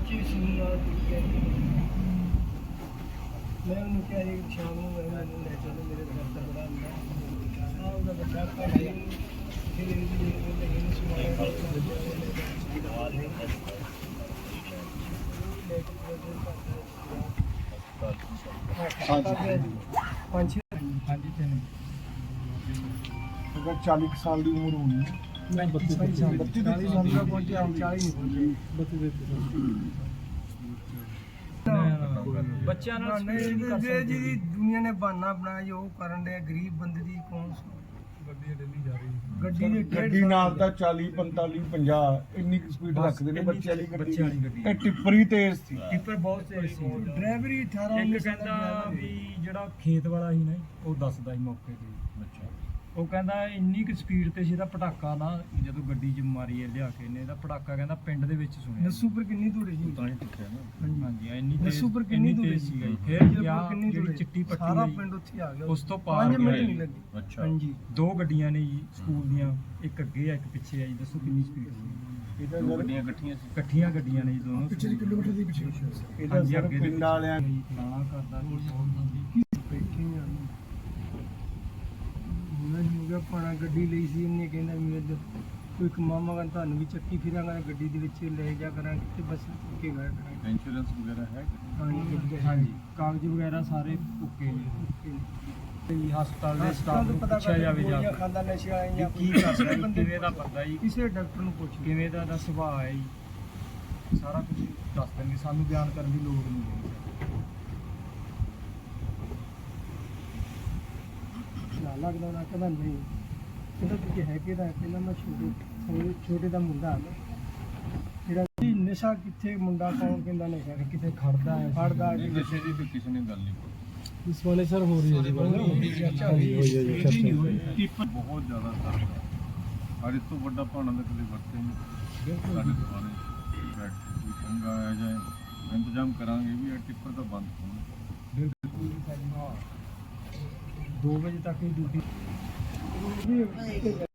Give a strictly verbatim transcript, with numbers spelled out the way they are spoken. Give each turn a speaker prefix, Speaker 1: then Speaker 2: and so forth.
Speaker 1: ਬੱਚੇ ਸੀ ਨਾਲ ਟੁੱਟੇ। ਮੈਂ ਉਹਨੂੰ ਕਿਹਾ ਜੀ ਸ਼ਾਮ ਨੂੰ ਮੈਂ ਮੈਨੂੰ ਲੈ ਚੱਲੋ, ਮੇਰੇ ਘਰ ਦਾ ਬੜਾ ਹੁੰਦਾ ਆ ਉਹਦਾ ਬੱਚਾ ਪੜ੍ਹਾਈ ਫਿਰ ਇਹਦੀ ਇਹਨੂੰ ਸਮਾਇਆ ਪੰਜ ਛੇ ਹਾਂਜੀ ਤਿੰਨ
Speaker 2: अगर चालीस साल की उम्र होनी है
Speaker 1: मैं बत्तीस साल बत्तीस साल का पहुंचे हम चालीस नहीं पहुंचे
Speaker 3: ਬੱਚਿਆਂ ਨਾਲ
Speaker 1: नहीं जे जी दुनिया ने बहाना बनाया जो करन दे गरीब बंदे दी कौन गड्डी डेली जा रही गड्डी दे
Speaker 2: ਗੱਡੀ ਨਾਲ ਤਾਂ ਚਾਲੀ ਪੰਤਾਲੀ ਪੰਜਾਹ ਇੰਨੀ ਸਪੀਡ ਰੱਖਦੇ ਨੇ ਬੱਚੇ ਵਾਲੀ ਗੱਡੀ
Speaker 3: ਬੱਚੇ ਵਾਲੀ ਗੱਡੀ।
Speaker 2: ਇਹ ਟਿੱਪਰ ਹੀ ਤੇਜ਼ ਸੀ
Speaker 3: ਟਿੱਪਰ ਬਹੁਤ ਤੇਜ਼ ਸੀ।
Speaker 1: ड्राइवर ही अठारह
Speaker 3: ਇੱਕ
Speaker 1: उन्नीस साल
Speaker 3: ਕਹਿੰਦਾ
Speaker 1: का
Speaker 3: ਵੀ ਜਿਹੜਾ ਖੇਤ ਵਾਲਾ ਸੀ ਨਾ ਉਹ ਦੱਸਦਾ ਸੀ ਮੌਕੇ ਤੇ। ਅੱਛਾ ਉਹ ਕਹਿੰਦਾ ਇੰਨੀ ਕੁ ਸਪੀਡ ਤੇ ਸੀ ਇਹਦਾ ਪਟਾਕਾ ਨਾ ਜਦੋਂ ਗੱਡੀ 'ਚ ਮਾਰੀ ਹੈ ਲਿਆ ਕੇ ਇਹਨੇ ਇਹਦਾ ਪਟਾਕਾ ਕਹਿੰਦਾ ਪਿੰਡ ਦੇ ਵਿੱਚ ਸੁਣਿਆ।
Speaker 1: नस्सू पर कितनी दूर है जी
Speaker 3: ਤਾਂ ਹੀ ਟਿੱਕਿਆ ਨਾ। ਹਾਂਜੀ ਇੰਨੀ ਤੇਜ਼
Speaker 1: नस्सू पर कितनी
Speaker 3: ਇੰਨੀ
Speaker 1: दूर है
Speaker 3: ਤੇਜ਼ ਸੀਗਾ ਜੀ।
Speaker 1: फिर
Speaker 3: ਫਿਰ ਗਿਆ
Speaker 1: कितनी दूर
Speaker 3: ਜਿਹੜੀ ਚਿੱਟੀ ਪੱਟੀ
Speaker 1: सारा
Speaker 3: ਹੈ ਜੀ,
Speaker 1: पिंड उत्थे आ गया
Speaker 3: ਉਸ ਤੋਂ ਪਾਰ
Speaker 1: पाँच मिनट
Speaker 3: ਗਿਆ
Speaker 1: नहीं
Speaker 3: ਜੀ।
Speaker 1: लगे
Speaker 3: ਅੱਛਾ
Speaker 1: हाँ जी
Speaker 3: ਦੋ ਗੱਡੀਆਂ ਨੇ ਜੀ ਸਕੂਲ ਦੀਆਂ, ਇੱਕ ਅੱਗੇ ਆ ਇੱਕ ਪਿੱਛੇ ਆ ਜੀ। ਦੱਸੋ ਕਿੰਨੀ ਸਪੀਡ ਸੀ?
Speaker 2: ਇਹਦਾ
Speaker 3: ਦੋ
Speaker 2: ਸਰ
Speaker 3: ਗੱਡੀਆਂ ਇਕੱਠੀਆਂ ਸੀ, ਇਕੱਠੀਆਂ ਗੱਡੀਆਂ ਨੇ ਜੀ ਦੋਨੋਂ।
Speaker 1: पिछले किलोमीटर के पीछे
Speaker 2: ਇਹਦਾ ਸਰ ਪਿੰਡ ਵਾਲਿਆਂ
Speaker 3: ਪੁਰਾਣਾ ਕਰਦਾ ਸੀ ਬਹੁਤ।
Speaker 1: बैठे हैं मैं हो गया पाना गड्डी ਲਈ ਸੀ ਇਹਨੇ ਕਹਿੰਦਾ ਮੇਰੇ ਕੋਈ ਮਾਮਾ ਕਹਿੰਦਾ ਤੁਹਾਨੂੰ ਵੀ ਚੱਕੀ ਫਿਰਾਂਗਾ ਗੱਡੀ ਦੇ ਵਿੱਚ ਲੈ ਜਾ ਕਰਾਂਗੇ ਤੇ ਬਸ ਕੇ ਗਏ ਕਰਾਂਗੇ।
Speaker 3: ਇੰਸ਼ੋਰੈਂਸ ਵਗੈਰਾ ਹੈ?
Speaker 1: ਹਾਂਜੀ
Speaker 3: ਹਾਂਜੀ ਕਾਗਜ਼ ਵਗੈਰਾ ਸਾਰੇ ਓਕੇ ਨੇ। ਤੇ ਹਸਪਤਾਲ ਦੇ ਸਟਾਫ ਨੂੰ
Speaker 1: ਪਤਾ
Speaker 3: ਪੁੱਛਿਆ ਜਾਵੇ ਜਾ ਕੇ
Speaker 1: ਖਾਂਦਾ ਨਸ਼ੇ ਵਾਲੇ ਜਾਂ
Speaker 3: ਕੀ ਕਰਦਾ ਜੀ, ਕਿਵੇਂ ਦਾ ਬੰਦਾ ਜੀ,
Speaker 1: ਕਿਸੇ ਡਾਕਟਰ ਨੂੰ ਪੁੱਛ
Speaker 3: ਕਿਵੇਂ ਦਾ ਦਾ ਸੁਭਾਅ ਹੈ ਜੀ, ਸਾਰਾ ਕੁਝ ਦੱਸ ਦੇਣਗੇ। ਸਾਨੂੰ ਬਿਆਨ ਕਰਨ ਦੀ ਲੋੜ ਨਹੀਂ ਹੈ।
Speaker 1: ਨਾ ਲੱਗਦਾ ਨਾ ਕਹਿੰਦਾ ਨਹੀਂ ਕਹਿੰਦਾ ਕਿ ਹੈ ਕਿਹਦਾ ਕਹਿੰਦਾ ਮੈਂ ਛੋਟੇ ਛੋਟੇ- ਛੋਟੇ ਦਾ ਮੁੰਡਾ ਹਾਂ ਜਿਹੜਾ ਜੀ ਨਸ਼ਾ ਕਿੱਥੇ ਮੁੰਡਾ ਕੌਣ ਕਹਿੰਦਾ ਨਸ਼ਾ
Speaker 3: ਕਿਤੇ ਖੜਦਾ ਹੈ
Speaker 1: ਫੜਦਾ
Speaker 3: ਨਹੀਂ, ਨਸ਼ੇ ਦੀ ਤਾਂ ਕਿਸੇ ਨੇ ਗੱਲ ਨਹੀਂ ਕੀਤੀ।
Speaker 1: ਇਸ ਵਾਲੇ ਸਰ ਹੋ ਰਹੀ ਹੈ ਜੀ ਚਰਚਾ ਹੋਈ ਹੈ
Speaker 4: ਬਹੁਤ ਜ਼ਿਆਦਾ ਦਰਦ ਹੈ। ਔਰ ਇਸ ਤੋਂ ਵੱਡਾ ਭਾਣਾ ਤਾਂ ਕਦੇ ਵਰਤੇ ਨਹੀਂ ਸਾਡੇ ਦੁਆਰੇ ਬੈਠ ਕੇ ਕੋਈ ਚੰਗਾ ਆਇਆ ਜਾਏ ਇੰਤਜ਼ਾਮ ਕਰਾਂਗੇ ਵੀ ਇਹ ਟਿੱਪਰ ਤਾਂ ਬੰਦ ਹੋਣ।
Speaker 3: ਦੋ ਵਜੇ ਤੱਕ ਹੀ ਡਿਊਟੀ